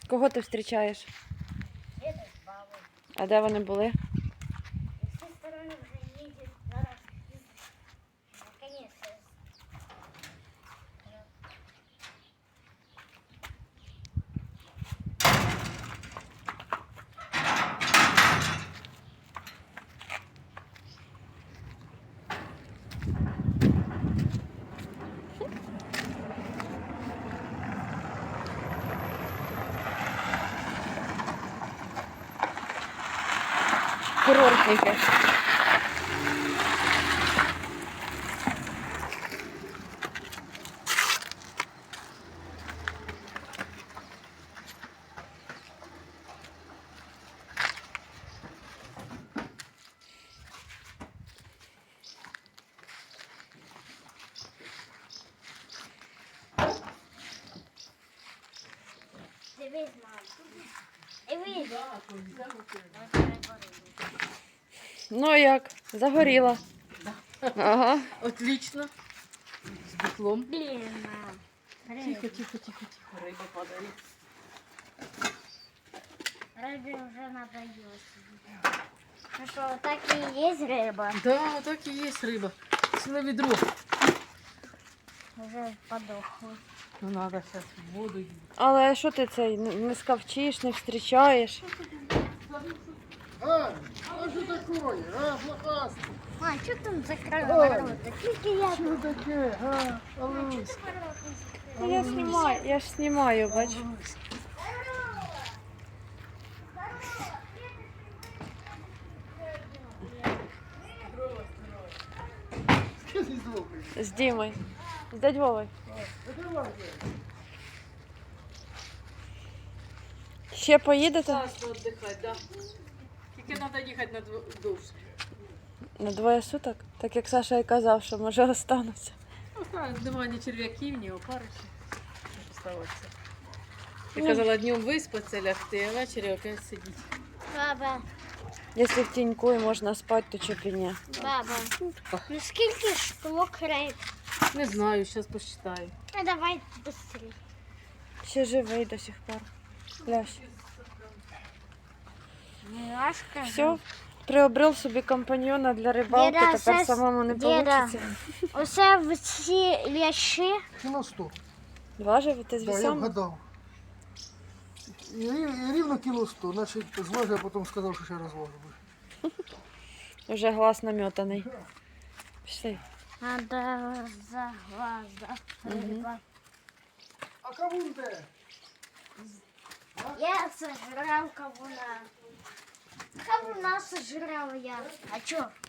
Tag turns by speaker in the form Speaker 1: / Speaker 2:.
Speaker 1: Кого ти зустрічаєш?
Speaker 2: Деда с бабой.
Speaker 1: А де вони були?
Speaker 2: И с той стороны уже едет зараз. Наконец-то.
Speaker 1: Курортники.
Speaker 2: Дивись, мам. Дивись.
Speaker 1: Ну як? Загоріла. Ага.
Speaker 3: Отлично. З битлом.
Speaker 2: Блин, мам.
Speaker 3: Тихо, тихо, тихо, тихо. Риба падає.
Speaker 2: Рыбе уже надоело. Ну что, вот так и есть рыба?
Speaker 3: Да, так і є риба. Ціле відро.
Speaker 2: Уже подохла.
Speaker 3: Ну, треба зараз в воду її.
Speaker 1: Але що ти цей не скавчиш, не зустрічаєш?
Speaker 4: А что такое? Блохастый.
Speaker 2: А, что там закрыла ворота? Только я
Speaker 4: Что такое? Аллусь.
Speaker 1: Я ж знімаю, бач.
Speaker 4: Что здесь звукаешь?
Speaker 1: З Дімою. З дядь Вовою. Ще поїдете?
Speaker 3: Класно віддихати, да. Тільки треба їхати на довше.
Speaker 1: На 2 суток? Так як Саша і казав, що може остануться.
Speaker 3: Ну, так, немає ні черв'яків, ні опаришів. Оставатися. Ти казала днем виспатися, лягти, а ввечері опять сидіти.
Speaker 2: Баба,
Speaker 1: Якщо в тіньку і можна спати, то чого б і ні.
Speaker 2: баба, ну сколько штук рыб?
Speaker 3: Не знаю, зараз посчитаю.
Speaker 2: Ну давай быстрее.
Speaker 1: Ще живий до сих пор. Лящ.
Speaker 2: Милашка.
Speaker 1: Все, приобрел собі компаньйона для рибалки,
Speaker 2: Діда,
Speaker 1: тепер
Speaker 2: щас-
Speaker 1: самому не
Speaker 2: Діда.
Speaker 1: вийде.
Speaker 2: Оце всі ляші.
Speaker 4: Кило 100.
Speaker 1: Два живете з
Speaker 4: Да, я
Speaker 1: вісами?
Speaker 4: вгадал. И ровно кило 100. Значит, зважу, а потом сказал, что сейчас разложу.
Speaker 1: Вже глаз наметаний. Пішли.
Speaker 2: Надо за глаза рыба.
Speaker 4: А кавун где?
Speaker 2: Я сожрал кавуна. Кавуна сожрал я. А чё?